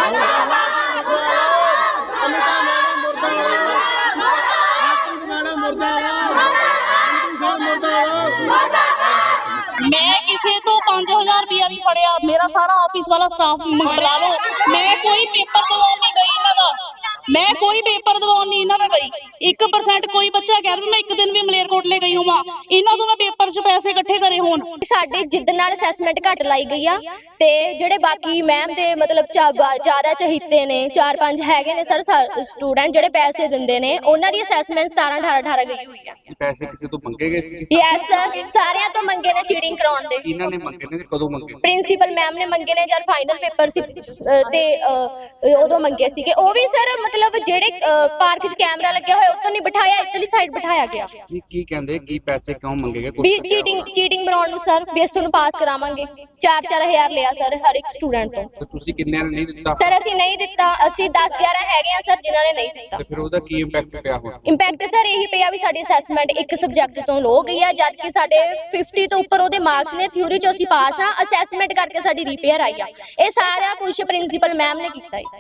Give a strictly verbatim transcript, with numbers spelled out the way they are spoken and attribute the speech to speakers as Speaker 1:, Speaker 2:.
Speaker 1: मैं किसी तो पांच हजार रुपया भी फड़िया, मेरा सारा ऑफिस वाला स्टाफ मंगला लो। मैं कोई पेपर दवाउण नहीं गई इन्हां दा, मैं कोई पेपर दवाउण नहीं इन्हां दा गई। एक परसेंट कोई बच्चा कह दे मैं एक दिन भी मलेरकोटले गई होवां, इन्हां तो मैं पेपर च पैसे इकट्ठे करे होण।
Speaker 2: साडे जिद्द नाल असैसमेंट घट लाई गई आ ते जेहड़े बाकी मैम दे मतलब ज्यादा चहीते ने चार पांच हैगे ने सर स्टूडेंट जेहड़े पैसे दिंदे ने उन्हां दी असैसमेंट सतारह अठारह अठारह गई हुई है।
Speaker 3: पैसे किसी तो मंगे गए थे?
Speaker 2: यस सर, सारियां तो मंगे ने चीटिंग कराउण दे।
Speaker 3: इन्हां ने मंगे ने कदों मंगे?
Speaker 2: प्रिंसीपल मैम ने मंगे ने जब फाइनल पेपर सी ते उदों मंगे सीगे। ओ भी सर मतलब जेहड़े पार्क च कैमरा लग्या होया उत्थों नहीं बिठाया, इधरली साइड बिठाया गया।
Speaker 3: ये की कहंदे की पैसे क्यों मंगे गए?
Speaker 2: भी चीटिंग चीटिंग बनाउण नूं सर भी अस तुहानूं पास करावांगे। चार चार हजार लिया सर हर एक स्टूडेंट तो।
Speaker 3: ਤੇ ਤੁਸੀਂ ਕਿੰਨਿਆਂ ਨੇ ਨਹੀਂ ਦਿੱਤਾ?
Speaker 2: सर ਅਸੀਂ नहीं दिता, ਅਸੀਂ दस ग्यारह हैगे आ सर जिन्हां ने नहीं दिता।
Speaker 3: ਤੇ ਫਿਰ ਉਹਦਾ ਕੀ ਇੰਪੈਕਟ ਪਿਆ ਹੁਣ?
Speaker 2: ਇੰਪੈਕਟ ਸਰ ਇਹੀ ਪਿਆ ਵੀ ਸਾਡੀ ਅਸੈਸਮੈਂਟ ਇੱਕ ਸਬਜੈਕਟ ਤੋਂ ਲੋ ਗਈ ਆ, ਜਦ ਕਿ ਸਾਡੇ ਪਚਾਸ ਤੋਂ ਉੱਪਰ ਉਹਦੇ ਮਾਰਕਸ ਨੇ। ਥਿਊਰੀ ਚ ਅਸੀਂ ਪਾਸ ਆ, ਅਸੈਸਮੈਂਟ ਕਰਕੇ ਸਾਡੀ ਰਿਪੇਅਰ ਆਈ ਆ। ਇਹ ਸਾਰਾ ਕੁਝ ਪ੍ਰਿੰਸੀਪਲ ਮੈਮ ਨੇ ਕੀਤਾ ਹੈ।